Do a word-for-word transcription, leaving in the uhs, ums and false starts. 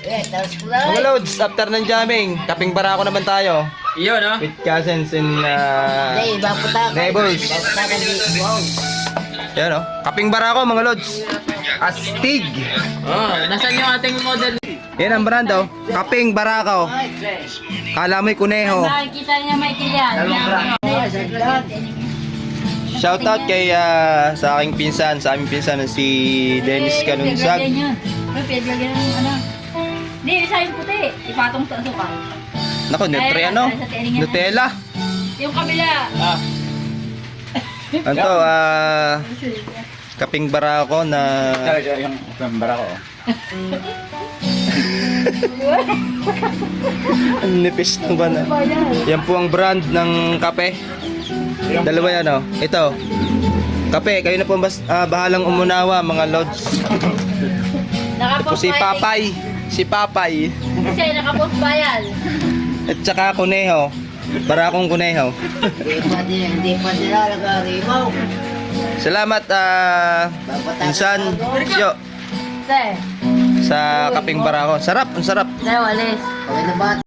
Eh, tapos ko na. Mga loads, after ng jamming, kaping barako naman tayo. Iyo, no? With cousins and uh, Hindi, ibang puta. neighbors. Ibang puta ka di. Wow. Yan o. Kaping barako mga loads. Astig. Oh, nasaan yung ating model? Yan ang brand oh. Kaping barako. Kala mo'y kuneho. Nakikita niya may kilyan. Shoutout kay ah, sa aking pinsan, sa aming pinsan na si Dennis Kanunsag. Pero pinagyan ng ano. Hindi, isa yung puti. Ipatong sa suka. Nako, Nutri ano? Nutella. Yung kabila. Ah. Ano to, ah, kaping barako na Yung member ako. ang nipis ng ba na. Yan po ang brand ng kape. Dalawa yan oh. Ito. Kape, kayo na po bas, ah, bahalang umunawa mga lods. Po si Papay. Si Papay. Kasi nakapost bayan. At saka kuneho. Barakong kuneho. Hindi pa din, hindi pa din nalagarimaw. Salamat ah, pinsan. Yo, Te. sa kaping barako. Sarap, ang sarap. Te, walis. Okay na ba?